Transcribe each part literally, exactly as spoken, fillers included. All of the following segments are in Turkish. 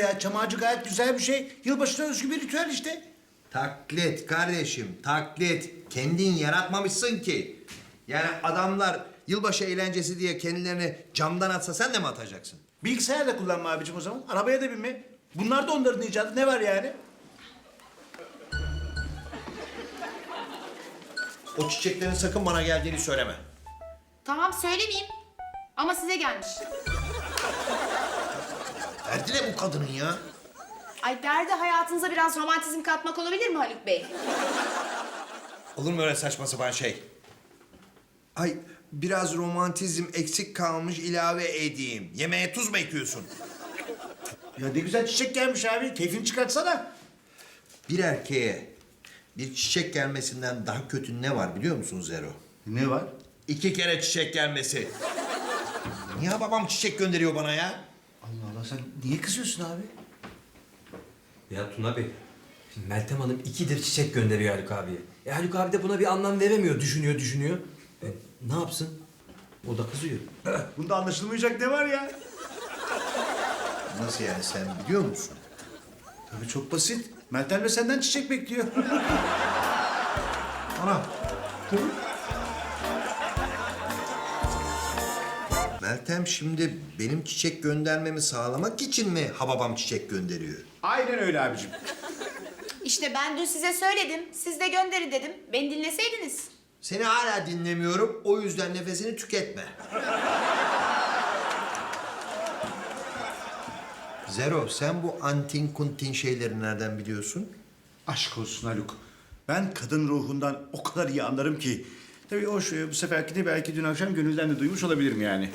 ya. Çam ağacı gayet güzel bir şey. Yılbaşına özgü bir ritüel işte. Taklit kardeşim, taklit. Kendin yaratmamışsın ki. Yani adamlar yılbaşı eğlencesi diye kendilerini camdan atsa sen de mi atacaksın? Bilgisayar da kullanma abicim o zaman. Arabaya da binme. Bunlar da onların icadı. Ne var yani? O çiçeklerin sakın bana geldiğini söyleme. Tamam söylemeyeyim. Ama size gelmiş. Derdi ne bu kadının ya? Ay derdi hayatınıza biraz romantizm katmak olabilir mi Haluk Bey? Olur mu öyle saçma sapan şey? Ay biraz romantizm eksik kalmış ilave edeyim. Yemeğe tuz mu ekiyorsun? Ya ne güzel çiçek gelmiş abi. Keyfini çıkartsana. Bir erkeğe bir çiçek gelmesinden daha kötü ne var biliyor musun Zero? Ne var? İki kere çiçek gelmesi. Niye babam çiçek gönderiyor bana ya? Allah Allah sen niye kızıyorsun abi? Ya Tuna Bey, şimdi Meltem Hanım ikidir çiçek gönderiyor Haluk abiye. E Haluk abi de buna bir anlam veremiyor, düşünüyor, düşünüyor. E, ne yapsın? O da kızıyor. Bunda anlaşılmayacak ne var ya? Nasıl yani sen biliyor musun? Tabii çok basit. Meltem de senden çiçek bekliyor. Ana. Meltem şimdi benim çiçek göndermemi sağlamak için mi hababam çiçek gönderiyor? Aynen öyle abicim. İşte ben dün size söyledim. Siz de gönderin dedim. Beni dinleseydiniz. Seni hala dinlemiyorum, o yüzden nefesini tüketme. Zero, sen bu antin kuntin şeyleri nereden biliyorsun? Aşk olsun Haluk. Ben kadın ruhundan o kadar iyi anlarım ki. Tabii o şu, bu seferki de belki dün akşam gönülden de duymuş olabilirim yani.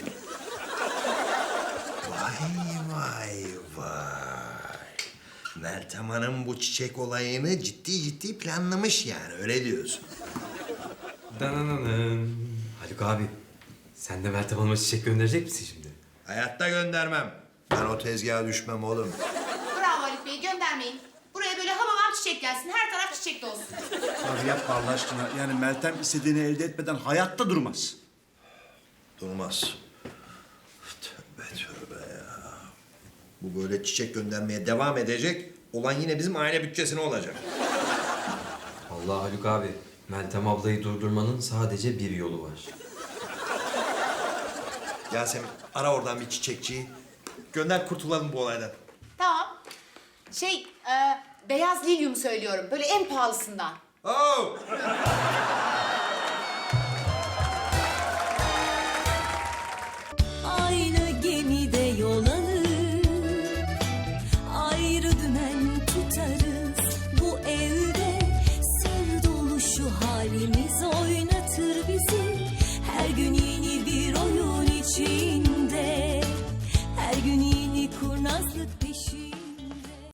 Vay vay vay. Meltem Hanım bu çiçek olayını ciddi ciddi planlamış yani, öyle diyorsun. Dananana. Haluk abi, sen de Meltem Hanım'a çiçek gönderecek misin şimdi? Hayatta göndermem. Ben o tezgaha düşmem oğlum. Bravo Haluk Bey göndermeyin. Buraya böyle hamamam çiçek gelsin. Her taraf çiçek olsun. Abi yapma Allah aşkına. Yani Meltem istediğini elde etmeden hayatta durmaz. Durmaz. Tövbe tövbe ya. Bu böyle çiçek göndermeye devam edecek. Olan yine bizim aile bütçesine olacak. Allah Haluk abi, Meltem ablayı durdurmanın sadece bir yolu var. Yasemin ara oradan bir çiçekçiyi. Gönder kurtulalım bu olaydan. Tamam. Şey, e, beyaz lilyum söylüyorum. Böyle en pahalısından. Oh!